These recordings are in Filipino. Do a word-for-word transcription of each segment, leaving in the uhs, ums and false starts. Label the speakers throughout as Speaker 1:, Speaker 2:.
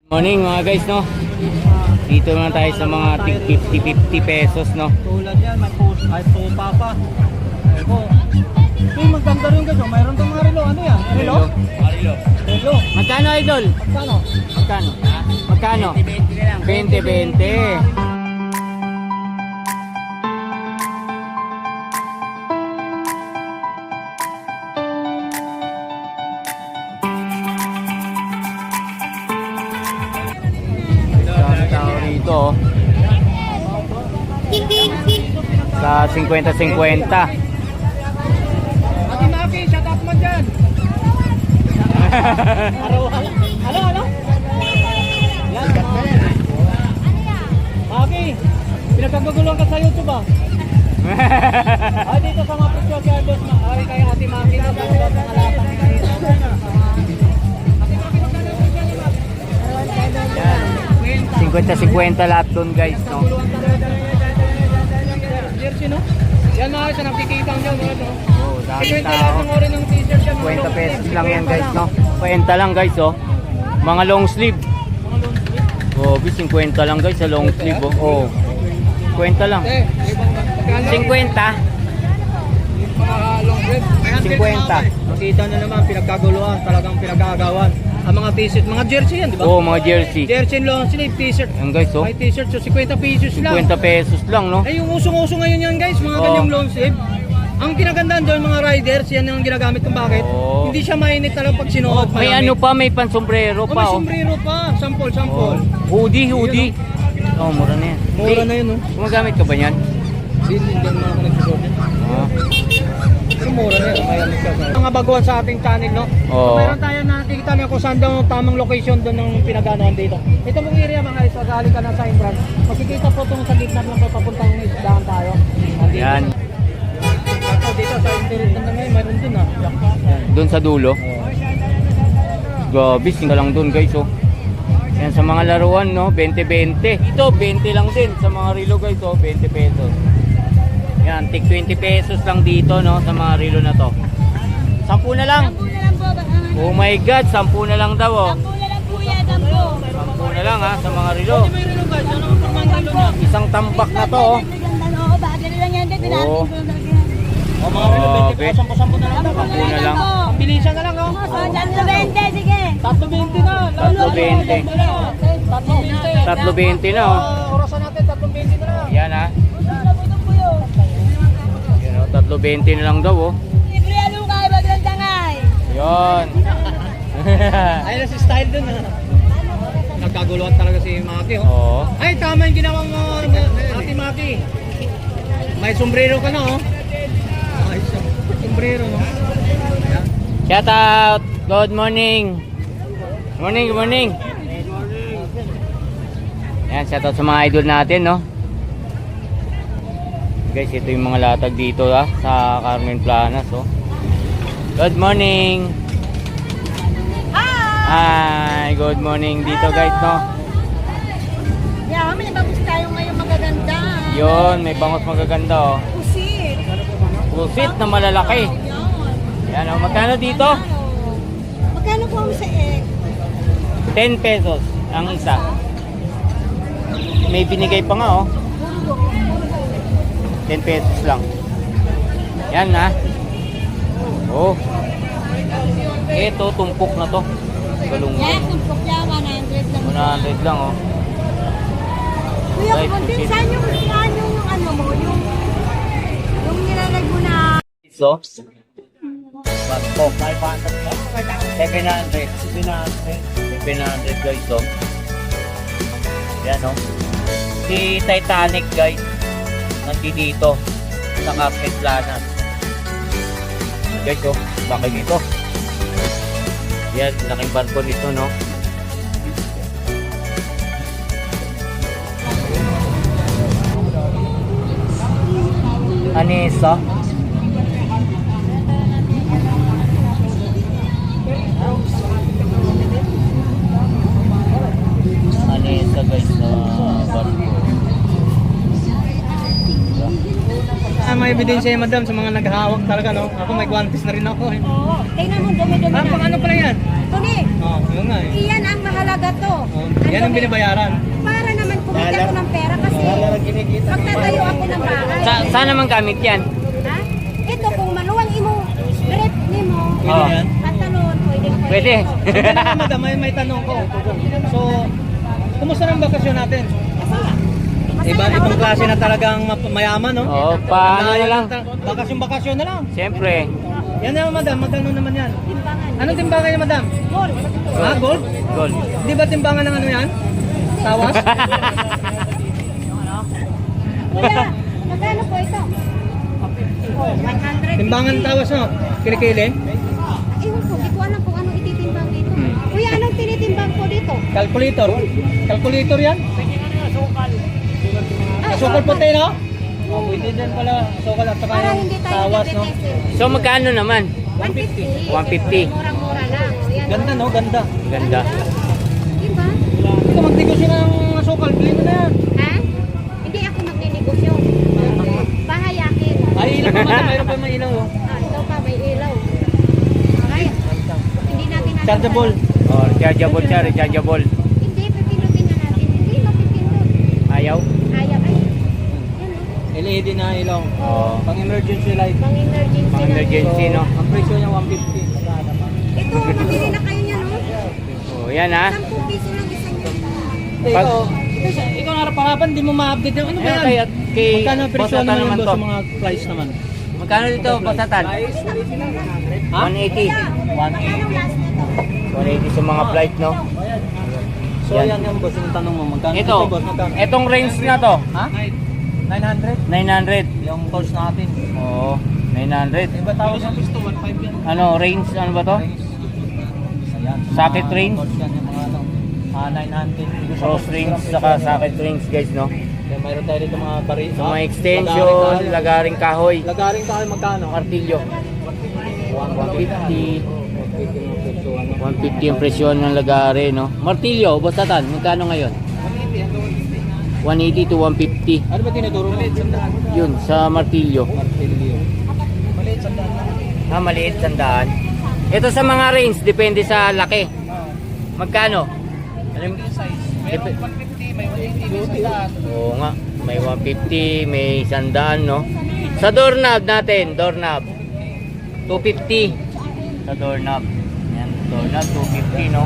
Speaker 1: Morning mga guys, no? Dito na tayo sa mga fifty fifty pesos, no?
Speaker 2: Tulad yan, may post, ay pupa pa. Eko. Ito yung maganda rin guys, oh. Mayroon tong mga relo. Ano yan? Relo?
Speaker 1: Relo.
Speaker 2: Relo.
Speaker 1: Magkano, idol?
Speaker 2: Magkano?
Speaker 1: Magkano? Magkano? twenty twenty. Dito oh. Sa fifty fifty.
Speaker 2: Ati Maki, shut up mo dyan. Araw, ano, ano? Yan. Maki, pinagkaguguluhan ka sa YouTube ah. Ay, dito sa mga presyo kaya boss na. Ay, kaya Ati Maki na sa mga latang kayo.
Speaker 1: fifty fifty lahat dun guys, no?
Speaker 2: Jersey, no? Yan mga isa nakikita nyo, no?
Speaker 1: Oh, dami tao. fifty pesos lang yan guys, no? fifty lang guys, oh. Mga long sleeve. Oh, fifty lang guys sa long sleeve, oh. Oh. fifty lang. fifty. fifty.
Speaker 2: Makita na naman, pinagkaguluhan, talagang pinagagawan. Ang mga t-shirt, mga jersey yan, di ba?
Speaker 1: Oh, mga jersey.
Speaker 2: Jersey long sleeve, t-shirt.
Speaker 1: Yan guys, oh.
Speaker 2: May t-shirt, so fifty pesos lang.
Speaker 1: fifty pesos lang, no?
Speaker 2: Ay, yung usong-uso ngayon yan guys, mga
Speaker 1: Oh.
Speaker 2: ganyang long sleeve. Ang kinagandaan doon, mga riders, yan ang ginagamit kung bakit.
Speaker 1: Oh.
Speaker 2: Hindi siya mainit talaga pag sinuot.
Speaker 1: May ano pa, may pansombrero
Speaker 2: Oh,
Speaker 1: pa,
Speaker 2: may
Speaker 1: oh.
Speaker 2: sombrero pa, sample, sample.
Speaker 1: Oh. Hoodie, hoodie. Oh, mura na yan.
Speaker 2: Mura na yun, no?
Speaker 1: Gumagamit ka ba niyan?
Speaker 2: Hindi, hindi naman ako nagsusuot yan.
Speaker 1: Ah.
Speaker 2: Yung mura na yun, kaya nagsasabi. Mga baguhan sa ating channel, no?
Speaker 1: Oo.
Speaker 2: So, mayroon tayo nakikita na kung saan daw ang tamang location doon ng pinaganoan dito. Ito mong area mga guys, sasali ka na sa entrance. Makikita po itong sa gitna lang papuntang isdahan tayo. Nandito.
Speaker 1: Yan.
Speaker 2: Ito dito sa interior ng ngayon, mayroon dun ah. Yan.
Speaker 1: Doon sa dulo. Grabe, singa lang doon guys, oh. Yan sa mga laruan, no? twenty twenty. Ito, twenty lang din sa mga relo guys, oh. twenty pesos. Yan, tig twenty pesos lang dito, no? Sa mga relo na to. Sampu na lang.
Speaker 3: Sampu na lang po. Ano?
Speaker 1: Oh my God, sampu na lang daw, oh.
Speaker 3: Sampu na lang po yan, sampu.
Speaker 1: Sampu na lang, ha, sa mga relo.
Speaker 2: May relo guys, ano ang pamangalo na?
Speaker 1: Isang tambak na to, oh.
Speaker 3: Oo, bagay na lang yan. Dito natin
Speaker 1: Oo.
Speaker 3: po lagyan.
Speaker 2: O mga relo,
Speaker 1: Oh,
Speaker 2: twenty
Speaker 1: okay.
Speaker 2: pesos, sampu-sampu na lang daw.
Speaker 1: Sampu na lang.
Speaker 2: Ang bilisan na lang, oh.
Speaker 3: So, tatlo bente, sige.
Speaker 2: Tatlo twenty na.
Speaker 1: Tatlo twenty.
Speaker 2: Tatlo twenty.
Speaker 1: Tatlo twenty na, oh.
Speaker 2: Ah, orasan natin, tatlo twenty na lang.
Speaker 1: Yan, ha.
Speaker 3: Ito po yun.
Speaker 1: Yan, oh. Tatlo twenty na lang daw, oh.
Speaker 3: Libre ano kayo, baglang tangay.
Speaker 1: Yan.
Speaker 2: Ayun na si style dun, ha. Nagkaguluhan talaga si Maki, oh.
Speaker 1: Oo.
Speaker 2: Ay, tama yung ginawa mo, Ate Maki. May sombrero ka na, oh. Ay, sombrero, no? Ayan.
Speaker 1: Shout out. Good morning. Morning, good morning. Yan, shout out sa mga idol natin, no? Guys, ito yung mga latag dito, ha, sa Carmen Planas, oh. Good morning. Hi, good morning dito, guys, no?
Speaker 3: Yeah, may nababos tayo ngayon magaganda.
Speaker 1: Yun, may bangos magaganda, oh.
Speaker 3: Pusit.
Speaker 1: Pusit na malalaki.
Speaker 3: Yan.
Speaker 1: Yan, oh. Magkano dito?
Speaker 3: Magkano po ang sa egg?
Speaker 1: ten pesos ang isa. May binigay pa nga, oh. ten pesos lang. Yan, ha. Oh. Ito, tumpok na to. Galungan.
Speaker 3: Yan, tumpok yan, one hundred lang.
Speaker 1: one hundred lang, oh.
Speaker 3: Kuya,
Speaker 1: Right,
Speaker 3: kumuntin,
Speaker 1: pusit.
Speaker 3: saan yung, saan yung ano mo, yung, yung nilalag mo na,
Speaker 1: So, Basko, five hundred. seven hundred. seven hundred guys, oh. Yan, oh. Si Titanic, guys. Nandito sa Carmen Planas. Guys, oh. Laki nito. Yan, laking barko nito, no? Anissa. Anissa, guys, na barko.
Speaker 2: may ebidensya yan, madam, sa mga naghahawak talaga, no? Ako may guantes na rin ako, eh.
Speaker 3: Oo. Tingnan mo, dumi-dumi
Speaker 2: Ah,
Speaker 3: na.
Speaker 2: pang ano pala yan?
Speaker 3: Ito ni.
Speaker 2: Oo, oh, yun nga eh.
Speaker 3: Iyan ang mahalaga to.
Speaker 2: Oh, yan ang
Speaker 3: dumi.
Speaker 2: binibayaran.
Speaker 3: Para naman kumita ko ng pera kasi magtatayo ako ng bahay.
Speaker 1: Sa, saan naman gamit yan?
Speaker 3: Ha? Ito kung maluwang imo, grip ni mo,
Speaker 2: Pwede yan?
Speaker 3: pantalon, pwede na
Speaker 1: Pwede.
Speaker 2: Hindi na, madam, may, may tanong ko. So, kumusta ng bakasyon natin?
Speaker 3: Masaya. Masaya
Speaker 2: Iba,
Speaker 3: na,
Speaker 2: ibang
Speaker 3: wala
Speaker 2: klase
Speaker 3: kang-
Speaker 2: na talagang map- mayaman, no?
Speaker 1: Oo, paano na lang?
Speaker 2: Bakasyon-bakasyon na lang.
Speaker 1: Siyempre.
Speaker 2: Yan naman, madam. Magkano naman yan?
Speaker 3: Timbangan.
Speaker 2: Anong timbangan niya, madam?
Speaker 3: Gold.
Speaker 2: Ha, gold?
Speaker 1: Gold.
Speaker 2: Di ba timbangan ng ano yan? Tawas?
Speaker 3: Kuya, magkano po ito? Oh, one hundred.
Speaker 2: Timbangan tawas, no? Kilikili?
Speaker 3: Ewan ko, di ko alam kung anong ititimbang dito.
Speaker 1: Hmm.
Speaker 3: Kuya, anong tinitimbang po dito?
Speaker 2: Calculator? Calculator yan?
Speaker 3: Ah,
Speaker 2: Asukal puti, no? Oh, pwede din pala. Asukal at saka
Speaker 3: Para
Speaker 2: yung
Speaker 3: hindi tayo
Speaker 2: tawas, no?
Speaker 3: nagtitesting.
Speaker 1: So magkano naman?
Speaker 3: one fifty.
Speaker 1: one fifty.
Speaker 3: Murang-mura lang. Ayan,
Speaker 2: Ganda, no? Ganda.
Speaker 1: Ganda.
Speaker 3: Diba?
Speaker 2: Hindi ka magtigos yun ng asukal. Bilhin mo na yan.
Speaker 3: Ha? Hindi ako magninegosyo. Bahay akin.
Speaker 2: Ay, ilaw pa, madam. Mayroon pa may ilaw, oh.
Speaker 3: Ah, ito pa, may ilaw. Ay, hindi natin natin.
Speaker 2: Chargeable.
Speaker 1: Oh, rechargeable siya, rechargeable.
Speaker 3: Hindi, pipindutin na natin. Hindi, mapipindot.
Speaker 1: Ayaw?
Speaker 3: Ayaw, ay. Yan o.
Speaker 2: L E D na ilaw.
Speaker 1: Oo.
Speaker 2: Pang emergency light.
Speaker 3: Pang emergency
Speaker 1: Pang
Speaker 3: lang.
Speaker 1: emergency, no?
Speaker 2: Ang presyo niya one fifty.
Speaker 3: Ito, mabili na kayo niya, no?
Speaker 1: Oh, yan ha.
Speaker 3: Sampung piso lang isang yan.
Speaker 2: Eh,
Speaker 1: Pag-
Speaker 2: ikaw, ikaw, ikaw naraparapan, di mo ma-update yung ano ba
Speaker 1: Eh,
Speaker 2: yan?
Speaker 1: kaya kay
Speaker 2: Magkano ang presyo
Speaker 1: Boss Atan
Speaker 2: naman
Speaker 1: naman
Speaker 2: boss
Speaker 1: to.
Speaker 2: sa mga price naman?
Speaker 1: Magkano dito, Basatan?
Speaker 2: Ha?
Speaker 1: one eighty.
Speaker 2: One
Speaker 3: Magkano last nito?
Speaker 1: one eighty sa mga flight, no?
Speaker 2: So
Speaker 1: Yan.
Speaker 2: yan yung boss, yung tanong mo, magkano?
Speaker 1: Ito,
Speaker 2: boss, magkano?
Speaker 1: etong range na to,
Speaker 2: Ha? nine hundred?
Speaker 1: nine hundred.
Speaker 2: Yung course natin.
Speaker 1: Oo, nine hundred.
Speaker 2: Iba tawag sa gusto, one five yan.
Speaker 1: Ano, range, ano ba to?
Speaker 2: Ayan.
Speaker 1: Socket
Speaker 2: Mga
Speaker 1: range?
Speaker 2: course yan, yung mga ano, ah, nine hundred.
Speaker 1: Cross range, saka socket range, guys, no?
Speaker 2: Then mayroon tayo dito mga bari.
Speaker 1: So, mga extension, lagaring kahoy,
Speaker 2: Lagaring tayo magkano?
Speaker 1: martilyo. one fifty.
Speaker 2: one
Speaker 1: one fifty yung presyon ng lagare, no? Martilyo, Basatan, magkano ngayon? one eighty to one fifty.
Speaker 2: Ano ba tinuturo mo?
Speaker 1: Yun, sa martilyo.
Speaker 2: Martilyo. Maliit sa daan.
Speaker 1: Ah, maliit, sandaan. Ito sa mga range, depende sa laki. Magkano? Alam, dep-
Speaker 2: one fifty, may one eighty,
Speaker 1: Oo nga, may one fifty, may sandaan, no? Sa doorknob natin, doorknob. two fifty. Sa doorknob. Yan, doorknob, two fifty, no?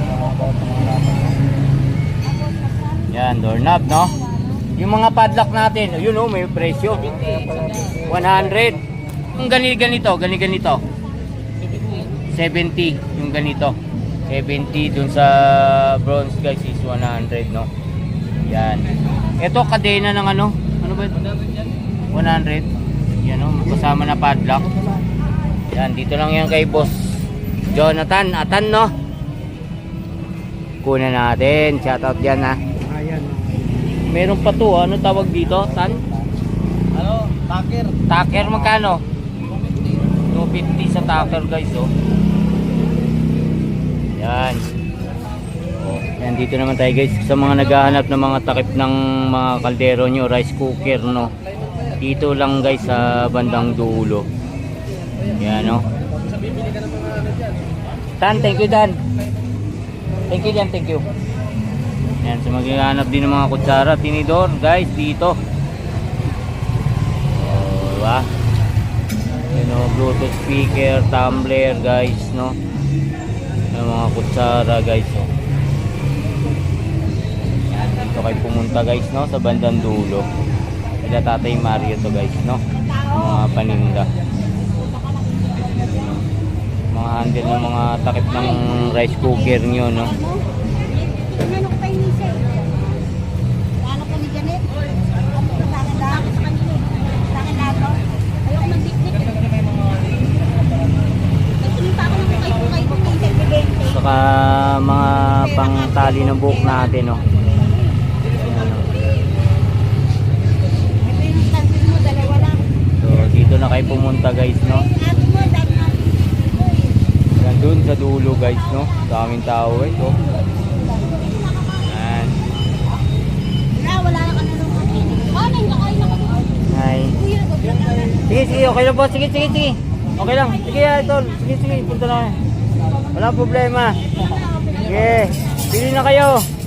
Speaker 1: Yan, doorknob, no? Yung mga padlock natin, yun, oh, may presyo. one hundred. Yung ganito, ganito, ganito, ganito. seventy, yung ganito. seventy dun sa bronze, guys, is one hundred, no? Yan. Ito, kadena ng ano? Ano ba ito? one hundred. Yan, no? Kasama na padlock. Yan, dito lang yan kay Boss Jonathan Atan, no? Kunan natin. Shoutout yan, ha?
Speaker 2: Ayan.
Speaker 1: Meron pa to, ano tawag dito? Tan?
Speaker 2: Ano? Taker.
Speaker 1: Taker, magkano? two fifty sa taker, guys, oh. Yan. Oh, yan, dito naman tayo, guys, sa mga naghahanap ng mga takip ng mga kaldero nyo, rice cooker, no? Dito lang, guys, sa bandang dulo. Yan, no? Tan, thank you, Dan. Thank you, Dan, thank you. Yan, sa maghahanap din ng mga kutsara, tinidor, guys, dito. Oh, diba? You know, Bluetooth speaker, tumbler, guys, no? Yung mga kutsara, guys, oh. Yan, dito kayo pumunta, guys, no? Sa bandang dulo. Sila Tatay Mario to, guys, no? Yung mga paninda. Mga handle ng mga takip ng rice cooker nyo, no?
Speaker 3: Ano ko pa yung misa eh? Ano ko ni Janet? Sa akin lahat. Sa akin lahat to. Ayoko mag-dikdik. Nagsuminta ako ng kukay-kukay ko kay Bente.
Speaker 1: Saka mga pangtali ng buhok natin, no? Yan, no?
Speaker 3: Ito yung tansin mo, dalawa lang.
Speaker 1: So, dito na kayo pumunta, guys, no?
Speaker 3: At mo, dahil na.
Speaker 1: Yan, dun sa dulo, guys, no? Daming tao, guys, oh. Yan.
Speaker 3: Wala, wala na ka na nung akin. Oh, nang kakain ako.
Speaker 1: Hi.
Speaker 3: Kuya, nag-vlog na.
Speaker 1: Sige, sige, okay lang po. Sige, sige, sige. Okay lang. Sige, idol. Sige, sige, punta na. Wala problema. Sige, pili na kayo.